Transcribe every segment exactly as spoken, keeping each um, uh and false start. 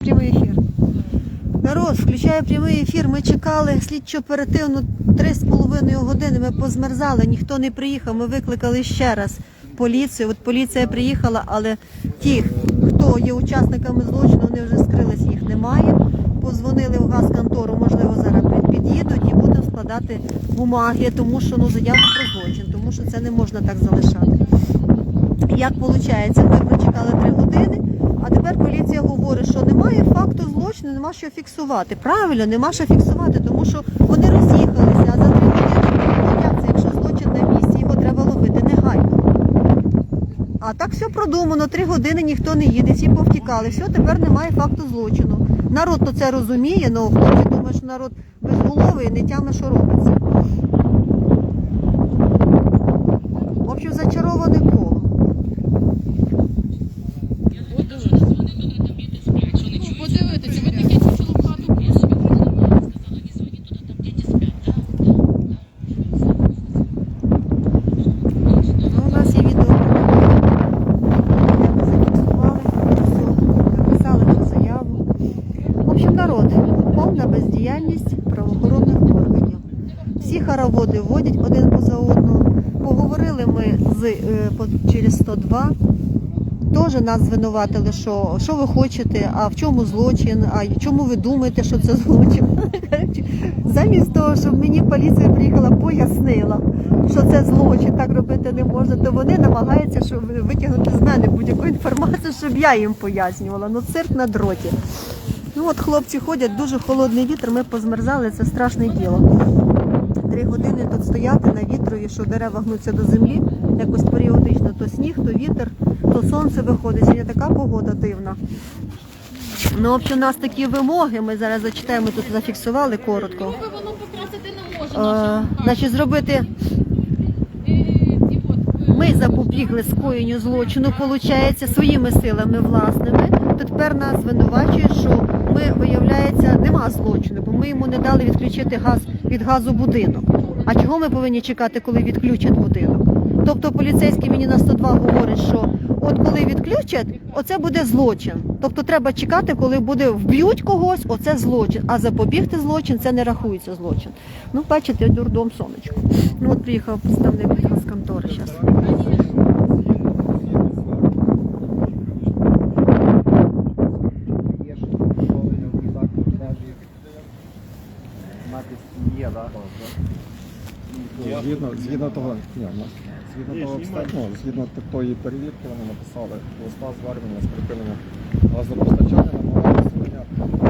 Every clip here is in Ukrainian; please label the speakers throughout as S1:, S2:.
S1: прямий ефір. Народ, включає прямий ефір. Ми чекали слідчо-оперативну три з половиною години. Ми позмерзали, ніхто не приїхав. Ми викликали ще раз поліцію. От поліція приїхала, але ті, хто є учасниками злочину, вони вже скрились, їх немає. Позвонили в газконтору, можливо, зараз під'їдуть і будемо складати бумаги, тому що ну, заяву про злочин, тому що це не можна так залишати. Як виходить, ми прочекали три години, а тепер поліція говорить, що немає факту злочину, нема що фіксувати. Правильно, нема що фіксувати, тому що вони роз'їхалися, а за три години, як це, якщо злочин на місці, його треба ловити негайно. А так все продумано, три години ніхто не їде, всі повтікали, все, тепер немає факту злочину. Народ то це розуміє, але хлопці думають, що народ безголовий і не тяме, що робиться. В общем, зачароване коло.
S2: Подивитися, ви таке чучело в хату пішли.
S1: Ну, у нас є відео. Ми зафіксували, все, написали вже заяву. В общем, народ, повна бездіяльність правоохоронних органів. Всі хороводи водять один поза одного. Поговорили ми з, е, по- через сто два. Теж нас звинуватили, що, що ви хочете, а в чому злочин, а чому ви думаєте, що це злочин. Замість того, щоб мені поліція приїхала, пояснила, що це злочин, так робити не можна, то вони намагаються щоб витягнути з мене будь-яку інформацію, щоб я їм пояснювала. Ну, цирк на дроті. Ну от хлопці ходять, дуже холодний вітер, ми позмерзали, це страшне діло. Три години тут стояти на вітрові, що дерева гнуться до землі, якось періодично, то сніг, то вітер, то сонце виходить, сьогодні така погода дивна. Ну, в общем, у нас такі вимоги, ми зараз зачитаємо, тут зафіксували коротко.
S2: Воно покрасити не може.
S1: Е,
S2: наша
S1: значить, зробити, ми запобігли скоєнню злочину, виходить, своїми силами власними, то тепер нас звинувачують, що ми, виявляється, нема злочину, бо ми йому не дали відключити газ від газу будинок. А чого ми повинні чекати, коли відключать будинок? Тобто поліцейський мені на сто два говорить, що от коли відключать, оце буде злочин. Тобто треба чекати, коли буде вб'ють когось, оце злочин. А запобігти злочин, це не рахується злочин. Ну, бачите, дурдом сонечко. Ну, от приїхав представник від газконтори зараз.
S3: Є, так? Згідно, згідно того, ні, ну, згідно того обстеження, ну, згідно тої перевірки, вони написали листа звернення з припинення газопостачання, намагалися зупиняти.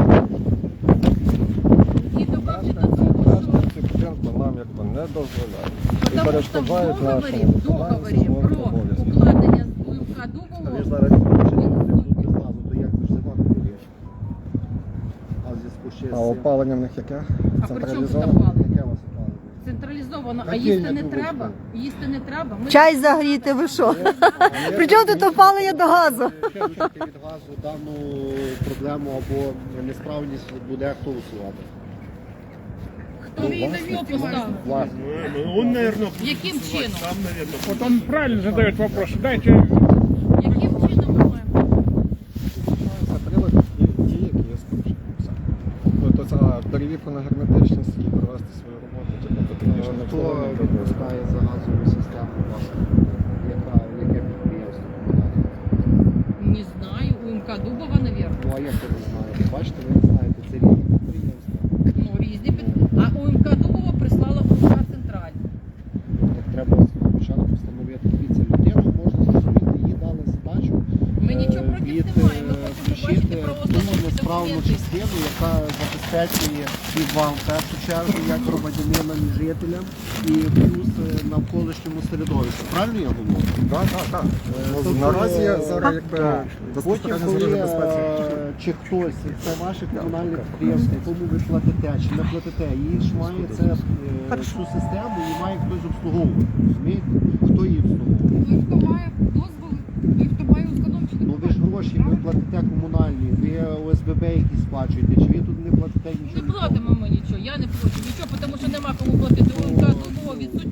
S2: І добавити до
S3: Решта
S2: того, що
S3: ці будинки нам якби не дозволяють. І
S2: Потому що в
S3: перешкоджають
S2: договорі,
S3: нашому
S2: в договорі
S3: виконанню
S2: про
S3: службових обов'язків.
S2: укладення УМК Дубово,
S4: зараз відключення тут без газу, то як ж зима буде? А в зв'язку ще
S3: А
S4: з цим...
S3: опалення в них яке?
S2: А при чому тут
S3: Централізоване?
S2: опалення?
S4: Яке у вас опалення?
S2: Централізовано, а
S4: Які
S2: їсти
S4: я
S2: не
S4: думаю,
S2: треба, їсти не треба. Ми
S1: Чай загріти, ви що? При чому тут опалення до газу?
S4: Відключити від газу дану проблему або несправність буде хто усувати?
S2: хто її на віл поставив?
S4: Власне.
S5: Он, наверное,
S2: Яким чином?
S5: Там, наверное,
S6: Вот он правильно задает вопрос. Дайте,
S2: Яким чином ми маємо?
S3: Це прилади, ті, ті, які є скручені. Все. Тобто це перевірку на герметичність і провести свою роботу. Типу, потрібно не
S4: Хто
S3: впливати.
S4: відпускає за газову систему власне? Яка, яке підприємство?
S2: Не знаю, УМК Дубова, навірно.
S4: Ну а як ви не знаєте? Бачите, ви не знаєте, це різні підприємства.
S2: Ну, різні під... А УМК Дубова прислала УМК Централь.
S4: Так треба спочатку встановити. Дивіться, людину можна зрозуміти, їй дали задачу
S2: Ми нічого
S4: е,
S2: проти
S4: від,
S2: не маємо, ми
S4: е,
S2: хочемо
S4: включити
S2: побачити
S4: ту
S2: правословну
S4: несправну
S2: документи.
S4: частину, яка забезпечує і вам в першу чергу, як громадянинам і жителям, і плюс е, навколишньому середовищу. Правильно я говорю?
S3: Так, так, так. Ну,
S4: Тобто,
S3: Наразі
S4: е,
S3: зараз якби
S4: Потім,
S3: безпосередньо
S4: коли
S3: зараз безпеці.
S4: е, чи хтось, це ваше комунальне підприємство, якому ви платите, чи не платите, її ж має це, е, цю систему, її має хтось обслуговувати. Розумієте? Хто її обслуговує?
S2: Той, хто має дозволи, той, хто має установчі
S4: Ну ви ж гроші, ви платите комунальні, ви ОСББ якісь сплачуєте, чи ви тут не платите нічого?
S2: Не платимо ми нічого, я не плачу нічого, тому що нема кому платити. УМК Дубово відсутні правословні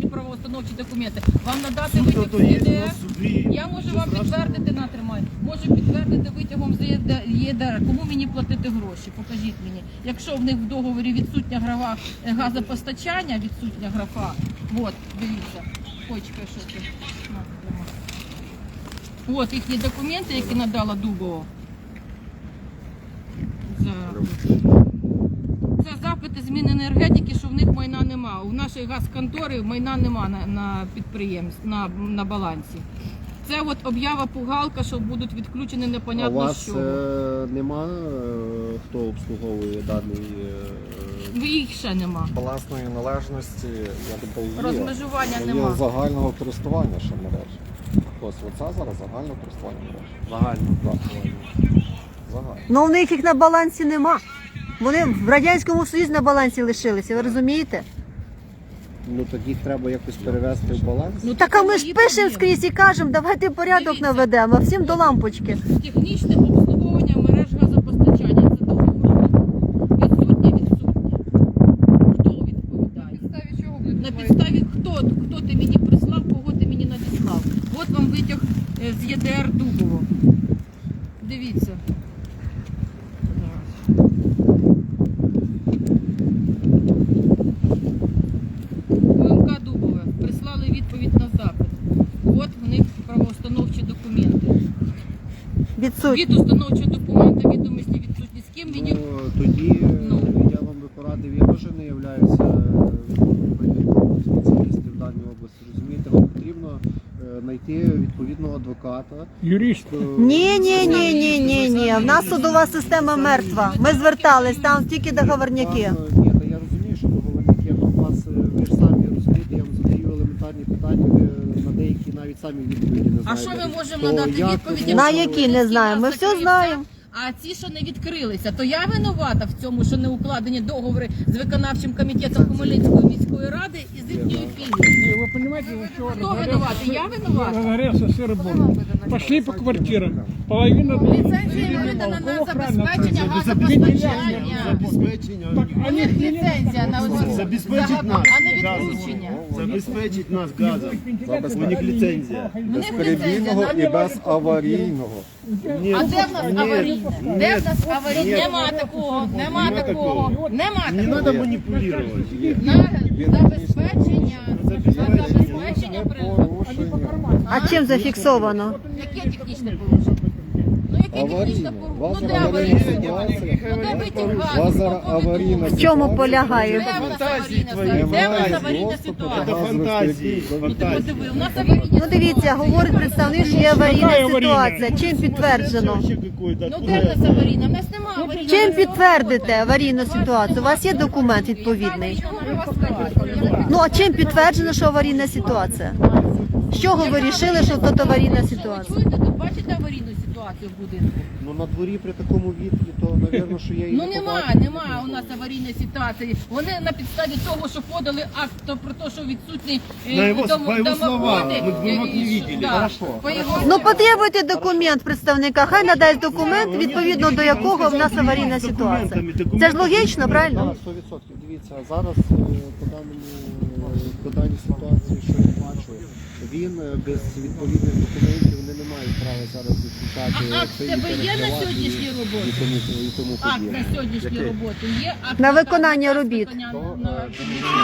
S2: правоустановчі документи. Вам надати
S5: Суд
S2: витяг
S5: то
S2: з
S5: є
S2: ЄДР?
S5: на суді.
S2: Я можу вам підтвердити, натримай. Можу підтвердити витягом з ЄДР. Кому мені платити гроші? Покажіть мені. Якщо в них в договорі відсутня графа е, газопостачання, відсутня графа, от, дивіться, почекай, що це. На, тримай. От їхні документи, які надала Дубова. Зараз. Це запити зміни енергетики, що в них майна нема. У нашої газконтори майна нема на, на підприємстві, на, на балансі. Це от об'ява пугалка, що будуть відключені
S4: А у
S2: непонятно
S4: вас
S2: що.
S4: е, нема, е, хто обслуговує даний е,
S2: Їх ще нема.
S3: Балансної належності, я думаю, є.
S2: Розмежування
S3: Є
S2: нема.
S3: загального користування ще мережі. Ось оце зараз загальне користування мережі.
S4: загального
S3: Так. Загальне.
S1: Ну, в них їх на балансі нема. Вони в Радянському Союзі на балансі лишилися, ви розумієте?
S4: Ну тоді їх треба якось перевести в баланс.
S2: Ну,
S1: Так а ми ж
S2: мої
S1: пишемо
S2: проблеми.
S1: скрізь і кажемо, давайте порядок
S2: Дивіться.
S1: наведемо, а всім до лампочки.
S2: Технічне обслуговування мереж газопостачання. Це договор. Відсутнє, відсутнє. Хто відповідає? На підставі хто? Хто ти мені прислав, кого ти мені надіслав? От вам витяг е, з ЄДР Дубово. Дивіться. Зараз. ОМК Дубове. Прислали відповідь на запит. От в них правоустановчі документи.
S1: Відсутні.
S2: Від установчого документа відомості відсутні. З ким він їх
S4: Ну, тоді е,
S2: Ну.
S4: я вам би порадив, я теж не являюся провідним спеціалістом в даній області. Розумієте, вам потрібно е, знайти відповідного адвоката.
S6: Юрист.
S4: е,
S1: Ні, ні, ні, ні, ні, ні. В нас судова система мертва. Ми звертались, там тільки договорняки.
S4: Вам, е, Ні, та я розумію, що договорники, але у вас е, ви ж самі розумієте, я вам задаю елементарні питання, ви на деякі навіть самі відповіді не
S2: А
S4: знаєте.
S2: що ми можемо
S4: То
S2: надати
S4: як
S2: відповіді?
S4: ви
S1: На
S4: можете-
S1: які не знаємо. Ми все знаємо.
S2: А ці, що не відкрилися, то я винувата в цьому, що не укладені договори з виконавчим комітетом Хмельницької міської ради і з їхньою філією.
S6: Вы понимаете, за что
S2: Хто винуватий? Я винувата.
S6: разгорелся сыр-бор. Пошли по квартирам. Половина...
S2: Ліцензія видана на забезпечення газопостачання.
S5: Забезпечення.
S6: Так,
S2: У
S6: они
S2: них ліцензія на
S5: Забезпечить нас.
S2: а не відключення.
S5: Забезпечить нас газом. У них ліцензія.
S2: У них
S3: Безперебійного
S2: ліцензія.
S3: і безаварійного.
S5: Ні,
S2: А де в нас
S5: ні,
S2: аварійне? Де в нас
S5: ні.
S2: аварійне? Нема такого, нема
S5: Нема
S2: такого,
S5: такого.
S2: нема
S5: Не
S2: такого.
S5: треба маніпулювати. Є.
S2: На забезпечення, на забезпечення приладу.
S1: А чим зафіксовано?
S2: Яке технічне порушення? Ну яке технічне
S3: Аварійне.
S2: порушення?
S3: У вас
S2: Ну де
S3: зараз аварійна
S2: аварійне?
S3: ситуація.
S2: Ну де витяг
S3: У
S2: газу?
S3: вас зараз
S2: Хто
S3: аварійна
S2: повідомив?
S1: В чому
S3: ситуація.
S1: полягає?
S2: Де в нас
S5: Фантазії
S2: аварійна
S5: твої.
S2: ситуація? Де в нас
S3: Немає
S2: аварійна
S3: доступу до
S2: ситуація?
S5: Це фантазії.
S2: Ти
S5: Фантазії.
S2: подиви, у нас аварійна
S1: Ну дивіться, говорить представник, що є аварійна ситуація. Чим підтверджено?
S2: Ну де в нас аварійна? У нас немає аварійної
S1: Чим
S2: ситуації.
S1: підтвердите аварійну ситуацію? У вас є документ відповідний? Ну а чим підтверджено, що аварійна ситуація? З чого ви вирішили, що тут аварійна ситуація?
S2: Ви чуєте, тут бачите аварійну ситуацію в будинку?
S4: Ну на дворі при такому вітрі, то, напевно, що я її
S2: Ну
S4: не
S2: немає,
S4: побачив.
S2: немає у нас аварійної ситуації. Вони на підставі того, що подали акт то про те, що відсутні е,
S5: На його-
S2: дом-
S5: по його словам,
S2: домоводи,
S5: ми бумаг
S2: е,
S5: не
S2: і-
S5: видели.
S2: да,
S5: Хорошо.
S2: по його
S1: Ну потребуйте документ представника, хай надасть документ, відповідно до якого в нас аварійна ситуація. Це ж логічно, правильно?
S4: Так, сто відсотків. Дивіться, зараз е, по даному е, по даній ситуації, що я бачу, він е, без відповідних документів вони не мають права зараз відключати.
S2: А акт в
S4: це і
S2: тебе є на
S4: перекривати,
S2: сьогоднішній
S4: і-
S2: роботі?
S4: І тому, і тому
S2: акт
S4: подібне.
S2: на сьогоднішню роботу є. Акт
S1: На виконання робіт.
S2: виконання
S4: То,
S2: на-
S4: е,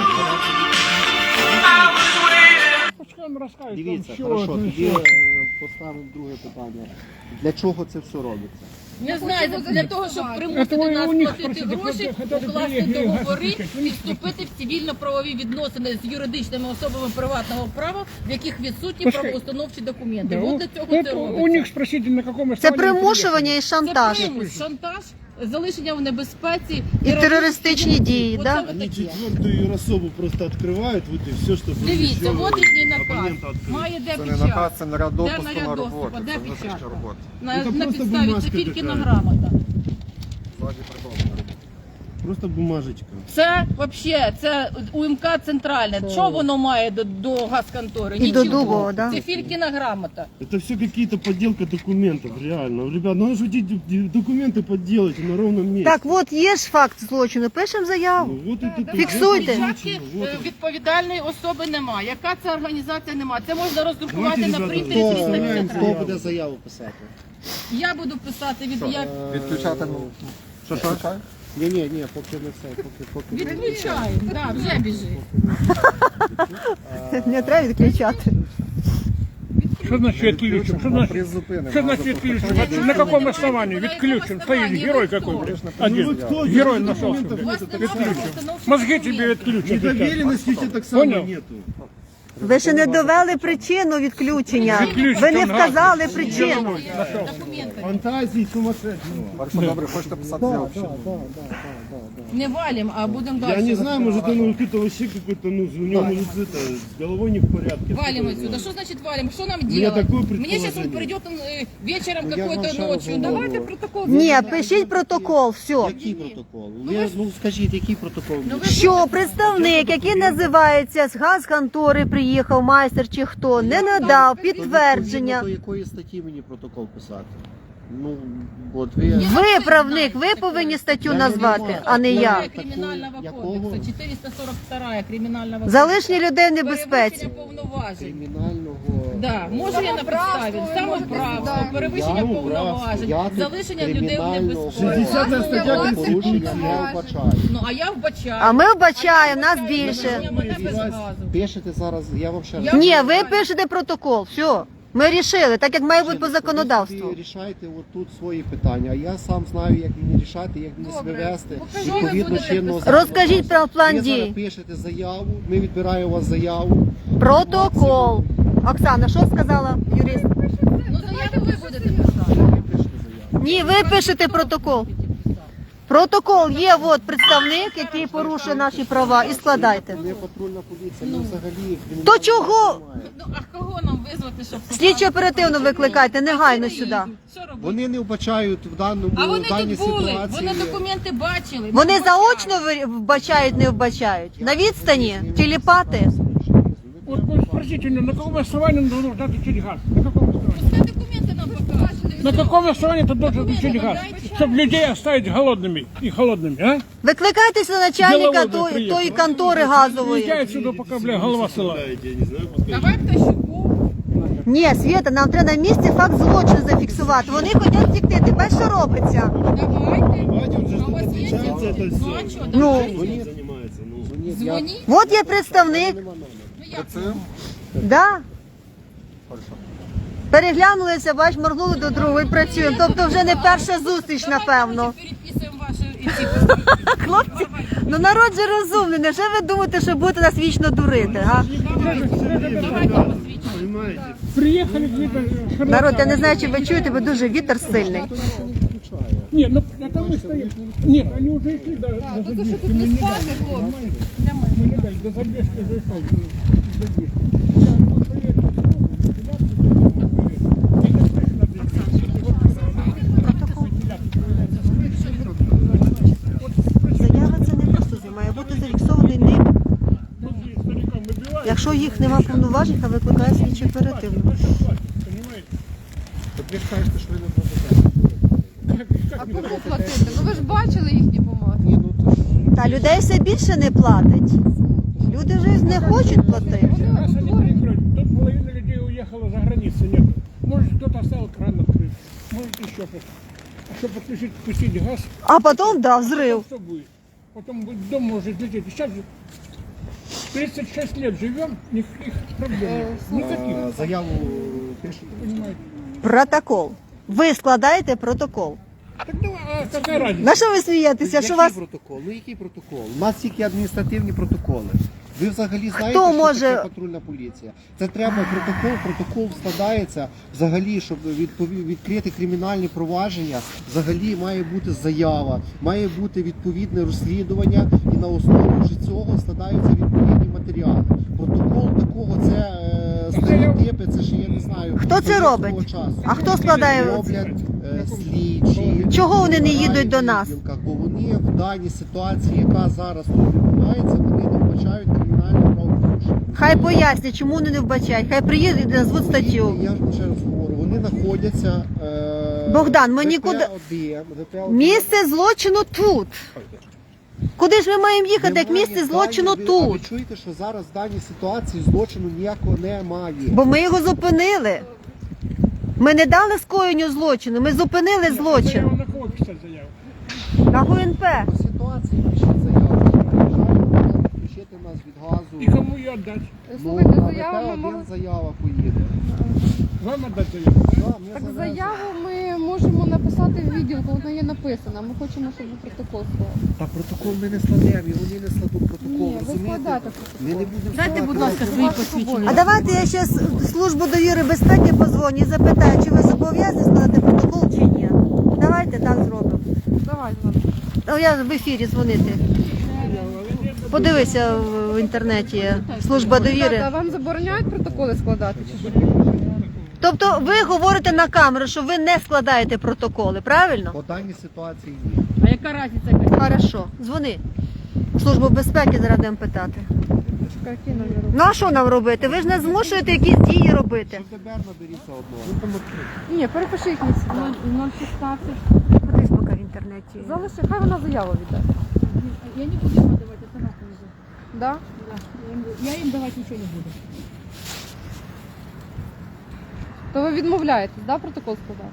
S6: Пускай он расскажет,
S4: Дивіться,
S6: там, что
S4: хорошо,
S6: это,
S4: тоді
S6: что.
S4: е, поставимо друге питання. Для чого це все робиться?
S2: Не знаю, для того, щоб
S6: Це
S2: примусити
S6: ви
S2: нас
S6: у них
S2: платити
S6: спросите,
S2: гроші,
S6: хто- хто
S2: укласти
S6: приїхав,
S2: договори
S6: газ
S2: і вступити в цивільно-правові відносини з юридичними особами приватного права, в яких відсутні
S6: Пускай.
S2: правоустановчі документи.
S6: Да,
S2: От
S6: у-
S2: для цього
S6: это
S2: це
S6: у
S2: робиться.
S6: них спросите, на каком
S1: Це
S6: основании
S1: примушування і
S2: Це
S1: шантаж.
S2: примус, шантаж, залишення в небезпеці
S1: І терористичні дії,
S2: Оце
S1: да?
S2: отаке.
S5: Они четвертую особу просто открывают, вот и все, что
S2: Дивіться, от їхній наказ.
S5: абонента открыть.
S2: Має де
S3: Це не наказ,
S2: печать.
S3: це наряд
S2: Де
S3: допуску
S2: наряд
S3: на
S2: доступу,
S3: роботу.
S2: де
S3: Це внутрішня
S2: печатка?
S3: робота.
S2: На,
S5: Це
S2: на
S5: просто
S2: підставі це
S5: бумажка
S2: тільки на
S5: така.
S2: грамота.
S3: Ззаді придумано.
S5: просто бумажечка.
S2: Це взагалі, це УМК центральне. Що воно має до, до газконтори?
S1: І до
S2: Нічого.
S1: Дубова, да?
S2: Це Филькіна грамота.
S5: Это все какие-то подделка документов, реально. Ребят, ну надо же эти д- документы подделать на ровном месте.
S1: Так, от є ж факт злочину, пишемо заяву.
S5: Ну, вот это,
S1: Фіксуйте.
S2: Печатки
S5: Вот
S2: е,
S5: это.
S2: відповідальної особи немає. Яка це організація немає? Це можна роздрукувати
S5: Давайте,
S2: на
S5: ребята,
S2: принтері
S4: Хто,
S2: триста
S5: Знаємо,
S2: п'ятдесят
S4: хто
S2: разів.
S4: буде заяву писати?
S2: Я буду писати від як
S3: Відключати, ну, що, що?
S4: Ні, ні, ні, поки не все, поки, поки не-
S2: відключаємо. Да, вже біжить.
S1: Не треба відключати.
S6: Что значит отключим? Что значит,
S3: Призупинимо.
S6: что значит отключим? На каком основании? Отключим. Стоит герой какой-то. Один.
S5: Ну, кто
S6: Герой
S5: здесь
S6: нашелся.
S5: документов
S6: блядь.
S5: нет?
S2: Отключим.
S6: Мозги тебе отключат.
S5: Доверенности у тебя так само
S6: Понял?
S5: нету.
S1: Ви ще не довели причину відключення.
S6: Відключити
S1: Ви не
S6: газ.
S1: вказали причину.
S2: Документи.
S5: Фантазии сумасшедшие.
S3: Хорошо, добре, хочете писати заяву? чи ні?
S2: Не валим, а будемо далі.
S5: Я не знаю, может он какой-то вообще какой-то, ну, у него может это, с головой не в порядке.
S2: Валим
S5: Что
S2: отсюда.
S5: это?
S2: Что значит валим? Что нам
S5: меня
S2: делать?
S5: такое
S2: Мне сейчас он
S5: предположение.
S2: придет он, э, вечером
S4: Ну, я вам
S2: какой-то
S4: ще раз
S2: ночью.
S4: говорю.
S2: Давайте протокол.
S1: Ні,
S2: зробимо.
S1: пишіть протокол, все.
S4: Який протокол? Ви, ну скажіть, який протокол?
S2: Ну, ви-
S1: Що представник, який називається з газконтори, приїхав майстер чи хто, не надав підтвердження.
S4: До якої статті мені протокол писати? Ну, от ви...
S1: Ви правник, ви повинні статтю назвати, а не я.
S2: Кримінального
S4: Якого?
S2: кодексу, чотириста сорок два кримінального
S1: Залишні людей в
S2: Перевищення
S1: небезпеці.
S2: повноважень.
S4: Кримінального...
S2: Да, може я на підставі, самоправство, перевищення
S4: Я
S2: повноважень,
S4: Я тут
S2: залишення людей в
S4: кримінального
S2: небезпеці.
S5: шістдесята стаття
S4: порушення не вбачаю.
S2: Ну, а я вбачаю.
S1: А ми вбачаємо, нас більше.
S2: Залишення мене без газу.
S4: Пишете зараз, я вам ще раз...
S2: Я-
S1: Ні, ви пишете протокол, все. Ми рішили, так як має бути по законодавству.
S4: Ви рішайте отут свої питання, а я сам знаю, як мені рішати, як мені себе
S2: Добре.
S4: вести.
S2: Покажу, ви
S4: Відповідно
S2: будете
S4: чинного
S2: писати.
S1: Розкажіть про план
S4: Ви зараз
S1: дій.
S4: пишете заяву, ми відбираємо у вас заяву.
S1: Протокол. Оксана, що сказала юрист?
S2: Ну, заяву ви будете писати.
S4: Ви пишете заяву.
S1: Ні, ви пишете протокол. Протокол є, от представник, який порушує наші права, і складайте.
S4: Ми патрульна поліція, ми взагалі...
S1: То чого?
S2: Ну, а кого нам визвати, щоб...
S1: Слідчо оперативно викликайте, негайно сюди.
S2: Що робити?
S4: Вони не вбачають в даному
S2: А вони
S4: в даній
S2: тут були,
S4: ситуації.
S2: вони документи бачили.
S1: Вони
S2: не вбачали.
S1: заочно ви- вбачають, не вбачають. На відстані, телепати.
S6: Вот вы спросите у него, на каком основании он должен отключить газ? На каком основании?
S2: Пускай документи нам покажуть.
S6: На каком основании ты должен отключить газ? Чтобы людей оставить голодными и холодными, а?
S1: Викликайтеся на начальника
S6: Діловоди
S1: тої,
S6: приїхали.
S1: тої контори газової.
S6: Уезжай отсюда, пока, бля, голова села.
S5: Я не знаю, пускай.
S2: Давай Птащуку.
S1: Ні, Свєта, нам треба на місці факт злочину зафіксувати. Вони хочуть втекти. Ти бачиш, що робиться?
S2: Давайте.
S5: Давайте он же
S2: А у вас є
S5: отличается это
S2: телефон? Ну, а
S5: все.
S2: що,
S1: Ну.
S2: давайте.
S5: Чем он занимается? Ну.
S4: Дзвоніть, я-
S2: Дзвоніть.
S1: От є представник.
S2: Ну, як?
S3: Це?
S1: Да?
S3: Хорошо.
S1: Переглянулися, бач, моргнули до другої, працюємо. Тобто вже не перша зустріч, напевно.
S2: Давайте переписуємо ваші ці посвідчення.
S1: Хлопці, ну народ же розумний. Невже ви думаєте, що будете нас вічно дурити? Га?
S2: Давайте посвідчення.
S5: Понимаете?
S6: Приехали где-то...
S1: Народ, я не знаю, чи ви чуєте, бо дуже вітер сильний.
S6: Нет, ну это мы стоим. Нет, они уже шли до, до задержки. Мы не дали. Мы не дали, до задержки зашел. до задержки.
S1: Заява це не просто заява, має бути зафіксований ним. Якщо їх нема повноважень, то викликає слідчо оперативно.
S4: Так ви ж кажете, що ви не платите.
S7: А кому платити? Ну ви ж бачили їхні бумаги.
S4: Ні, ну то ж...
S1: Та людей все більше не платить. Люди вже не хочуть платити.
S6: Раз они перекроют, тут половина людей уехала за границу, нет. Может, кто-то оставил кран открыт, может, еще что-то. А чтобы подключить, пустить газ,
S1: А потім, да, взрив.
S6: что будет? Потом будет дом может лететь. И сейчас же тридцать шесть лет живем, никаких проблем нет. Никаких,
S4: А, заяву пишете.
S6: понимаете.
S1: Протокол. Ви складаєте протокол.
S6: Так давай, а какая разница?
S1: На що ви смієтеся? Що
S4: Який
S1: вас
S4: протокол? Ну який протокол? У нас тільки адміністративні протоколи. Ви взагалі знаєте,
S1: Хто
S4: що
S1: може-
S4: таке патрульна поліція? Це треба протокол, протокол складається взагалі, щоб відпові- відкрити кримінальні провадження, взагалі має бути заява, має бути відповідне розслідування і на основі вже цього складаються відповідні матеріали. Протокол такого це е,
S2: Так
S4: Дані типи, це ж я не знаю.
S1: Хто це
S4: до
S1: робить?
S4: того часу.
S1: А хто складає?
S4: Роблять е, слідчі.
S1: Чого вони не їдуть
S4: в
S1: до нас?
S4: відділках, бо вони в даній ситуації, яка зараз тут відбувається, вони не вбачають кримінальне правопорушення.
S1: Хай пояснять, чому вони не вбачають. Хай приїдуть і назвуть статтю.
S4: Я ж ще раз говорю, вони знаходяться. Е,
S1: Богдан, ми
S4: ВП-один,
S1: нікуди-
S4: ВП-один.
S1: Місце злочину тут. Куди ж ми маємо їхати, як
S4: Немає
S1: місце злочину
S4: дані- ви- а Ви
S1: тут?
S4: чуєте, що зараз в даній ситуації злочину ніякого немає.
S1: Бо ми його зупинили. Ми не дали скоєнню злочину, ми зупинили
S6: Заяву
S1: злочин.
S6: на кого писать заяву?
S1: На ГУНП.
S4: По ситуації пишіть заяву. Приїжджають, включити нас від газу.
S6: И кому ее отдать?
S7: Слухайте,
S4: на
S7: заяву ми
S4: ВП-один
S7: могли...
S4: заява поїде.
S6: Вам отдать заяву?
S4: Да, ми
S7: Так
S4: завезли.
S7: заяву ми можемо написати в відділку, вона є написана. Ми хочемо, щоб ви протокол склали.
S4: Та протокол ми не складемо, і вони не складуть протокол.
S7: Ні, ви
S4: розумієте?
S7: складайте протокол.
S4: Ми не будемо
S2: Дайте,
S4: складати.
S2: будь ласка, свої посвідчення.
S1: А давайте я ще в службу довіри безпеки позвоню і запитаю, чи ви зобов'язані складати протокол чи ні. Давайте так зробимо.
S7: Давай, ладно.
S1: Ну, я в ефірі дзвонити. Подивися в в інтернеті. Служба
S7: Ребята, а
S1: довіри.
S7: вам забороняють протоколи складати? Чи що?
S1: Тобто ви говорите на камеру, що ви не складаєте протоколи, правильно?
S4: По даній ситуації ні.
S2: А яка разниця? яка?
S1: Хорошо, дзвони. В Службу безпеки зараз будемо питати.
S7: Які номери?
S1: Ну а що нам робити? Ви ж не змушуєте якісь дії робити.
S4: Що тепер наберіться одного.
S7: Ні, перепишіть мені сюди.
S2: ноль шістнадцять.
S1: Подивись поки в інтернеті.
S7: Залиши, хай вона заяву віддасть.
S2: Я не буду їм давати, я сама повезу.
S7: Да?
S2: Я їм давати нічого не буду.
S7: То ви відмовляєтесь, да, протокол складати?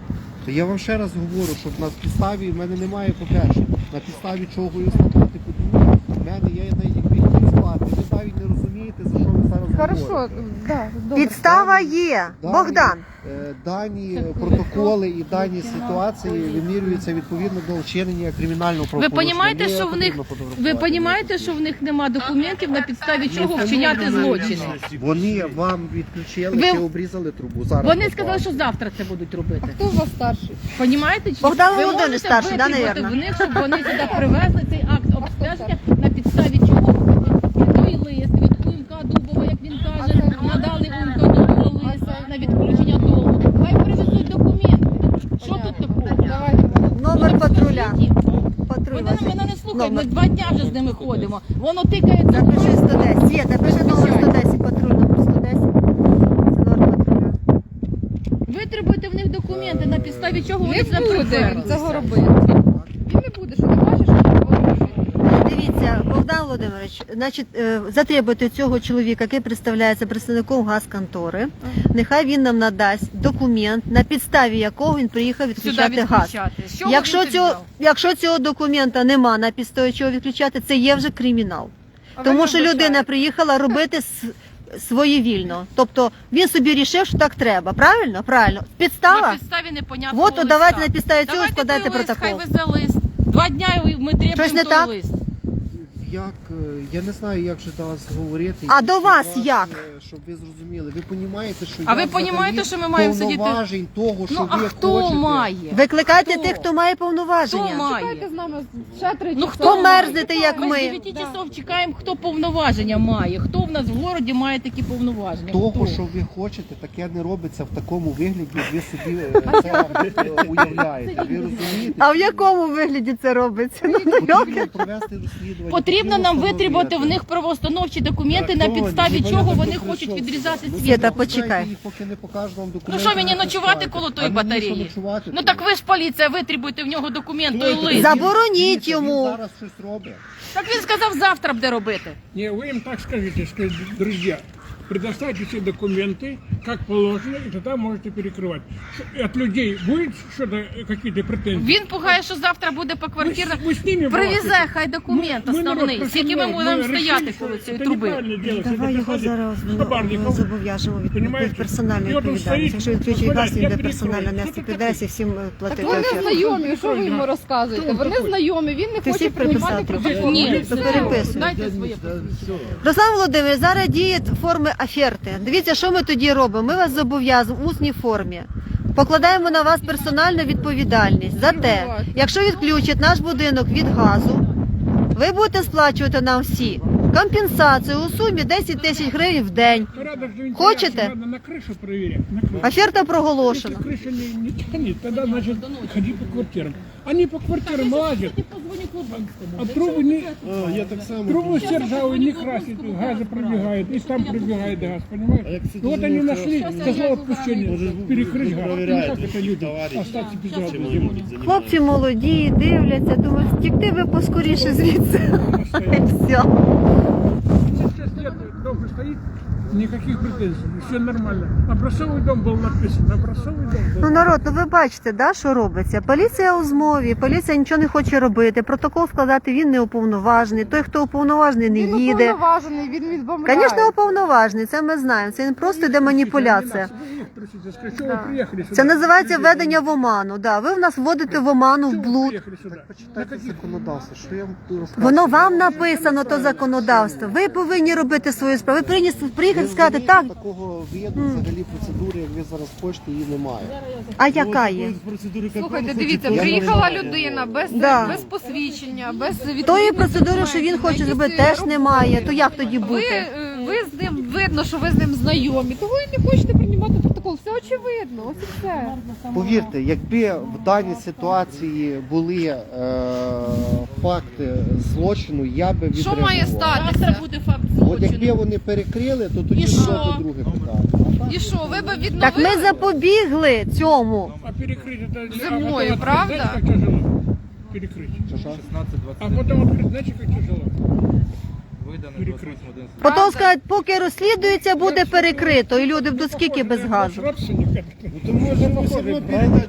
S4: То я вам ще раз говорю, що на підставі в мене немає, по-перше, на підставі чого її складати, по-друге, в мене є навіть якби хотів склати. Ви навіть не розумієте, за що ви зараз
S7: Хорошо,
S4: говорите.
S7: да, добре.
S1: Підстава є.
S4: Дані,
S1: Богдан.
S4: е, Дані протоколи і дані ситуації вимірюються відповідно до вчинення кримінального
S2: Ви
S4: правопорушення.
S2: розумієте,
S4: Не
S2: що в них
S4: потрібно
S2: ви
S4: фотографувати.
S2: розумієте, що в них нема документів, на підставі чого вчиняти злочини?
S4: Вони вам відключили
S2: Ви-
S4: чи обрізали трубу. Зараз
S2: Вони
S4: попали.
S2: сказали, що завтра це будуть
S7: А
S2: робити.
S7: хто у вас старший?
S2: Понімаєте? Чи
S1: Богдан
S2: ви
S1: Володимирович
S2: можете
S1: старший, да,
S2: витребувати
S1: наверно?
S2: в них, щоб вони сюди привезли цей акт обстеження, на підставі чого той лист від Умка Дубова, як він каже, надали Умка Дубова лист на відключення дому. Хай привезуть документи. Що тут такого?
S7: Давайте.
S1: Номер патруля.
S2: Скажіть.
S1: Патруль.
S2: Вони
S1: ваш.
S2: мене не слухають, ми
S1: Номер.
S2: два дня вже з ними ходимо. Воно тикається.
S1: Запиши сто десять. Є, запиши номер сто десять. Патруль номер сто десять. Це номер патруля.
S2: Витребуйте в них документи, на підставі чого вони
S7: Не
S2: це
S7: буде він
S2: приперли.
S7: цього робити. Він не буде, що ти бачиш, що він робить.
S1: Дивіться, Богдан Володимирович, значить, е, затребуйте цього чоловіка, який представляється представником газконтори. Нехай він нам надасть документ, на підставі якого він приїхав
S2: Сюди
S1: відключати газ.
S2: відключати. З чого
S1: Якщо
S2: він це
S1: цього,
S2: взяв?
S1: якщо цього документа нема на підставі чого відключати, це є вже кримінал.
S7: А ви
S1: Тому
S7: не
S1: що людина
S7: вбачаєте.
S1: приїхала робити с- своєвільно. Тобто він собі рішив, що так треба. Правильно? Правильно.
S2: На
S1: Підстава?
S2: підставі непонятного
S1: От, то
S2: листа.
S1: давайте на підставі цього
S2: Давайте
S1: складайте
S2: той лист,
S1: протокол.
S2: Хай везе лист. Два дня і ми требуємо
S1: Щось не
S2: той
S1: так?
S2: лист.
S4: Як, е, я не знаю, як же до вас говорити.
S1: А
S4: як
S1: до
S4: до
S1: вас
S4: вас,
S1: як?
S4: е, Щоб ви зрозуміли. Ви розумієте, що
S2: А
S4: я
S2: ви
S4: взагалі
S2: понімаєте, що ми маємо сидіти?
S4: повноважень того, що
S2: Ну а
S4: ви
S2: хто
S4: хочете.
S2: має?
S1: Викликайте
S2: Хто?
S1: тих, хто має повноваження.
S2: Хто має?
S7: Чекайте з нами ще три
S2: Ну
S7: часа.
S2: хто
S1: мерзнете, як
S2: Ми з
S1: ми?
S2: дев'яти часов чекаємо, хто повноваження має. Хто в нас в городі має такі повноваження?
S4: Того,
S2: Хто?
S4: що ви хочете, таке не робиться в такому вигляді, як ви собі е, це е, уявляєте. Ви розумієте?
S1: А в якому вигляді це робиться? Ну, ну,
S4: Потрібно
S1: як?
S4: провести розслідування.
S2: Потрібно нам
S4: встановити.
S2: витребувати в них правоустановчі документи, на підставі чого вони хочуть відрізати
S4: Ну,
S2: світло.
S1: Світа,
S4: ви
S1: почекай.
S4: знаєте, їх поки не покажуть вам
S2: Ну
S4: документи,
S2: що мені
S4: не
S2: ночувати
S4: пускають.
S2: коло
S4: А
S2: тої
S4: мені що
S2: батареї?
S4: ночувати
S2: Ну
S4: тут?
S2: так ви ж поліція, витребуйте в нього документ, той
S4: Хто
S2: лист.
S4: це?
S1: Забороніть
S4: Дивіться,
S1: йому.
S4: Він зараз щось робить.
S2: Так він сказав, завтра буде робити.
S6: Не, вы им так скажите, скажите, друзья, предоставьте все документы, как положено, и тогда можете перекрывать. Ш- От людей будет что-то, какие-то претензии?
S2: Він пугає, що завтра буде по квартирах.
S6: Ви з ними
S2: Привезе
S6: балакайте.
S2: хай документ
S6: Ми- ми народ
S2: основний. Скільки ми
S6: професіонал,
S2: будемо
S6: ми
S2: стояти
S6: решили,
S2: коло
S6: що
S2: цієї
S6: це
S2: труби?
S6: неправильно делать,
S1: Давай
S6: це
S1: його
S6: доходить
S1: зараз
S6: з хабарників.
S1: ну, зобов'яжемо від
S6: Понімаєте?
S1: персональної
S6: І от він
S1: відповідальності.
S6: стоїть,
S1: Якщо відключить газ, він
S6: я
S1: буде
S6: перекрою.
S1: персонально нести
S6: Хто ти
S1: підвес і всім е,
S7: Так
S1: платити.
S7: вони
S1: офіс.
S7: знайомі, що ви йому розказуєте?
S6: Хто
S7: Вони
S6: такий?
S7: знайомі, він не
S1: Ти
S7: хоче
S1: всіх
S7: приймати
S1: приписав
S7: протокол.
S2: Ні,
S1: то переписуй.
S2: дайте своє посвідчення.
S1: Руслан Володимирович, зараз діє форми оферти. Дивіться, що ми тоді робимо. Ми вас зобов'язуємо в усній формі. Покладаємо на вас персональну відповідальність за те, якщо відключать наш будинок від газу, ви будете сплачувати нам всі компенсацію у сумі десять тисяч гривень в день.
S6: Порядок же
S1: Хочете?
S6: Надо на крышу проверять. На крышу.
S1: Оферта проголошена.
S6: Если крыша не, не тянет, тогда, значит, ходи по квартирам. Они по квартирам лазят, а трубы не...
S5: А, я так само.
S6: Трубу все ржавые не красят, газы пробегает, и там пробегает газ,
S5: А я,
S6: понимаешь?
S5: кстати,
S6: Ну вот они
S5: думаю,
S6: нашли
S5: хорошо.
S6: козла отпущения, перекрыть газ. Ну
S5: проверяют,
S6: как это люди
S5: товарищи,
S6: остаться без газа
S5: чем
S6: зимой?
S5: они будут заниматься.
S1: Хлопці молоді, дивляться, думають, втікти ви поскоріше звідси. І все.
S6: шесть лет дом же стоит, никаких претензий, все нормально. Образцовый дом был написан, образцовый дом был.
S1: Ну, народ, ну ви бачите, да, що робиться? Поліція у змові, поліція нічого не хоче робити, протокол складати він не уповноважений, той, хто уповноважений, не
S7: Він
S1: їде.
S7: уповноважений, він відбомбляє.
S1: Звісно, уповноважений, це ми знаємо, це просто йде маніпуляція. Це називається введення в оману. Да, ви в нас вводите в оману, в блуд.
S4: Почитайте законодавство, що я вам буду розказувати.
S1: Воно вам написано, то законодавство. Ви повинні робити свою справу. Ви повинні приїхати і сказати, так,
S4: Такого виду, взагалі процедури, як ви зараз хочете, її немає.
S1: а яка є?
S7: Слухайте, дивіться, приїхала людина без,
S1: Да.
S7: без посвідчення, без відповідної
S1: Тої процедури, що він
S7: документів,
S1: хоче
S7: на
S1: зробити,
S7: якісь
S1: теж немає. То як тоді
S7: Ви,
S1: бути?
S7: е, ви з ним, видно, що ви з ним знайомі, того і не хочете приймати протокол. Все очевидно, ось і все.
S4: Повірте, якби в даній ситуації були е, факти злочину, я би
S7: Що
S4: відреагував.
S7: має
S2: Завтра
S7: статися?
S2: буде факт
S4: От якби
S2: злочину.
S4: вони перекрили, то тоді
S2: І
S4: було
S2: що?
S4: б друге питання.
S7: І що, ви б
S1: Так
S7: відновили?
S1: ми запобігли цьому.
S6: А перекрыть это...
S7: Зимою,
S6: а потом открыть,
S7: правда?
S6: знаете, как тяжело? Перекрыть. А потом открыть, знаете, как тяжело? Перекрыть.
S1: Потім скажуть, поки розслідується, буде перекрито, і люди будуть скільки без газу.
S5: То може ми себе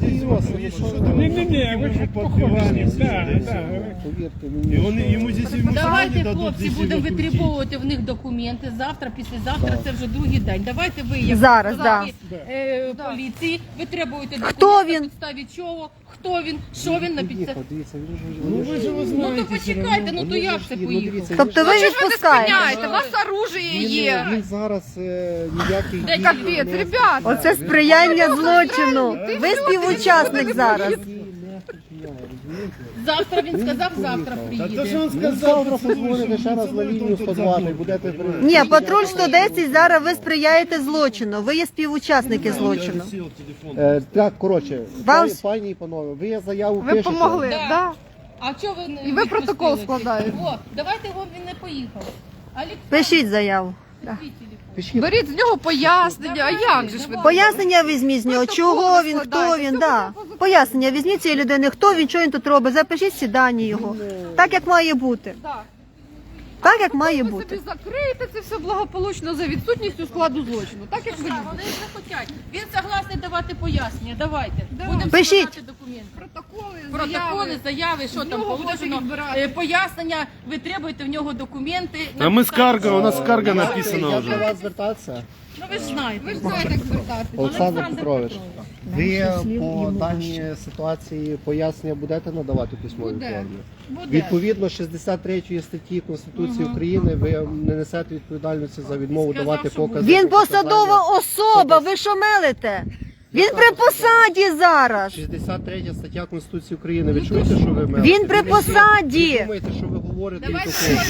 S6: Не-не-не, вы же похожи с ним. Да, да.
S4: Повірте
S5: І
S4: мені.
S5: вони
S4: що-
S5: йому здесь йому
S2: Давайте,
S5: сьогодні дадуть
S2: хлопці,
S5: здесь
S2: будемо
S5: його крутити.
S2: витребовувати в них документи. Завтра, післязавтра, це вже другий день. Давайте ви, як
S1: Зараз,
S2: представники,
S6: да.
S2: е, поліції, витребуєте документи,
S1: Хто він?
S2: на підставі чого, хто він, що він на підставі.
S4: Поїхав, дивіться, він же-
S5: Ну
S4: вони
S5: ви
S4: ж-
S5: ж його
S2: Ну
S5: знаєте.
S2: то почекайте, ну то
S4: вони
S2: як
S4: ж
S2: це
S4: і- ну,
S2: поїхав?
S4: дивіться, він
S1: Тобто
S4: же-
S1: ви
S7: Чого ви
S1: відпускаєте?
S7: спиняєте? У вас оружие
S4: Він,
S7: є.
S4: він зараз е, ніяких
S7: Та
S4: дій
S7: капець,
S4: не-
S7: ребята.
S1: Оце сприяння злочину. Ви співучасник зараз.
S4: Дії не вчиняє, розумієте?
S2: Завтра він сказав, завтра
S5: Та то, що
S2: приїде.
S5: він
S4: Ну,
S5: сказав,
S4: завтра
S5: що
S4: позвоните ще раз на лінію сто два і будете...
S1: Ні, патруль сто десять, зараз ви сприяєте злочину. Ви є співучасники злочину.
S4: Е, так, коротше,
S1: Вам-
S4: пані, пані і панове, ви заяву
S7: Ви
S4: пишете.
S7: помогли,
S2: Да.
S7: да?
S2: А чого ви не
S7: І ви протокол
S2: відпустили?
S7: складаєте.
S2: О, давайте його, він не поїхав. Олександр,
S1: Пишіть заяву. Да.
S4: Пишіть.
S7: Беріть з нього пояснення, а як же ж ви?
S1: Пояснення візьміть з нього, чого він, хто він, да. Пояснення візьміть цієї людини, хто він, що він тут робить, запишіть всі дані його. Так, як має бути.
S7: Так.
S1: Так, як має
S7: Ви
S1: бути.
S7: собі закриєте це все благополучно за відсутністю складу злочину. Так, як ви
S2: Так, вони ж не хочуть. Він согласний давати пояснення. Давайте. Будемо
S1: Пишіть.
S2: складати документи.
S7: протоколи,
S2: Протоколи, заяви, що там
S7: нього
S2: положено,
S7: можуть відбирати.
S2: е, пояснення, ви требуєте в нього документи.
S5: А ми скарга, у нас скарга
S4: Я
S5: написана
S4: до
S5: вже.
S4: вас звертатися.
S2: Ну ви ж знаєте.
S7: Ви ж знаєте, як звертатися.
S4: Олександр Петрович, ви по даній ситуації пояснення будете надавати в письмовій
S7: Буде.
S4: формі?
S2: Буде.
S4: Відповідно шістдесят третьої статті Конституції України ви не несете відповідальності за відмову
S2: Сказав,
S4: давати
S2: що
S4: покази.
S1: Він
S4: про
S1: посадова особа, ви що мелите? Він при посаді зараз.
S4: шістдесят третя стаття Конституції України. Ви чуєте, що ви мелите?
S1: Він при
S4: Ви не всі-
S1: посаді.
S4: Ви думаєте, що ви говорите і
S2: Давайте
S4: такого.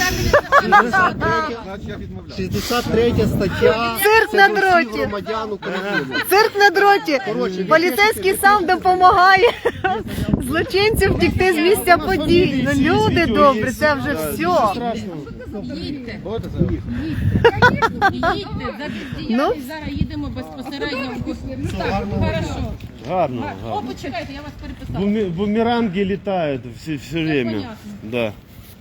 S2: складати.
S4: шістдесят третя стаття
S1: Цирк
S4: це
S1: на
S4: до всіх
S1: дроті.
S4: громадян України.
S1: Цирк на дроті. Поліцейський сам допомагає злочинцям втікти з місця подій. Ну, люди добрі, це вже все.
S2: Їдьте. Їдьте. За
S1: Ну?
S2: бездіяльність зараз їдемо безпосередньо. в- Так, хорошо.
S5: Гарно,
S2: О,
S5: гарно.
S2: почекайте, я вас переписала.
S5: Буме- Бумеранги літають все, все время.
S2: понятно.
S5: Да.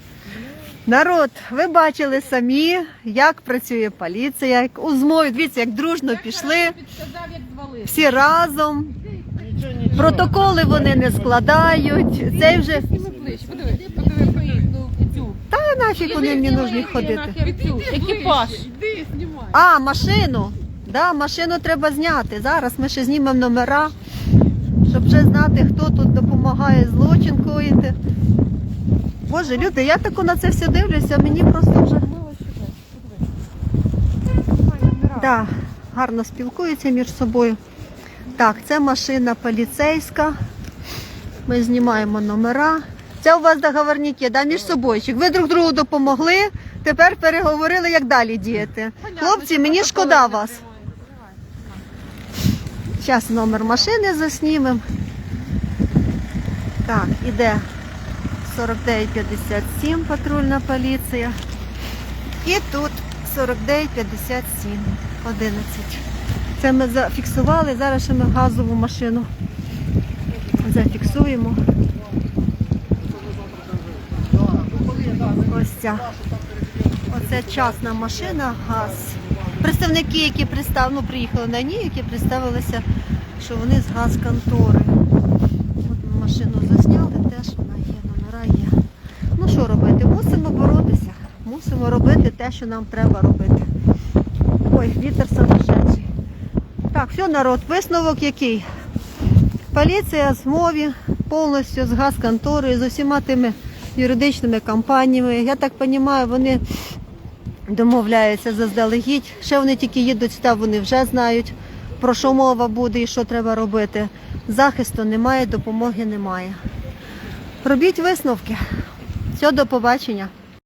S1: Народ, ви бачили самі, як працює поліція, як у змові. Дивіться, як дружно пішли,
S2: Підказав, як звалити.
S1: всі разом. Протоколи вони не складають. Цей вже
S7: Зніми плечі, подиви, подиви,
S2: Цю.
S1: та нафіг вони мені нужні ходити.
S2: Цю. Екіпаж.
S7: Іди, знімай.
S1: А, машину. Да, машину треба зняти. Зараз ми ще знімемо номера, щоб вже знати, хто тут допомагає злочин коїти. Боже, люди, я тако на це все дивлюся, мені просто вже. Да, гарно спілкуються між собою. Так, це машина поліцейська. Ми знімаємо номера. Це у вас договорники, да, між собойчик. Ви друг другу допомогли, тепер переговорили, як далі діяти. Хлопці, мені шкода вас. Зараз номер машини заснімемо. Так, іде сорок дев'ять п'ятдесят сім патрульна поліція. І тут сорок дев'ять п'ятдесят сім одинадцять. Це ми зафіксували, зараз ще ми газову машину зафіксуємо. Ось ця. Оце частна машина, газ. Представники, які пристав, ну, приїхали на ній, які представилися, що вони з газконтори. От ми машину засняли, теж вона є, номера є. Ну що робити? Мусимо боротися. Мусимо робити те, що нам треба робити. Ой, вітер сумасшедший. Так, все, народ, висновок який? Поліція з мові, повністю з газконторою, з усіма тими юридичними компаніями. Я так розумію, вони домовляються заздалегідь. Ще вони тільки їдуть сюди, вони вже знають, про що мова буде і що треба робити. Захисту немає, допомоги немає. Робіть висновки. Все, до побачення.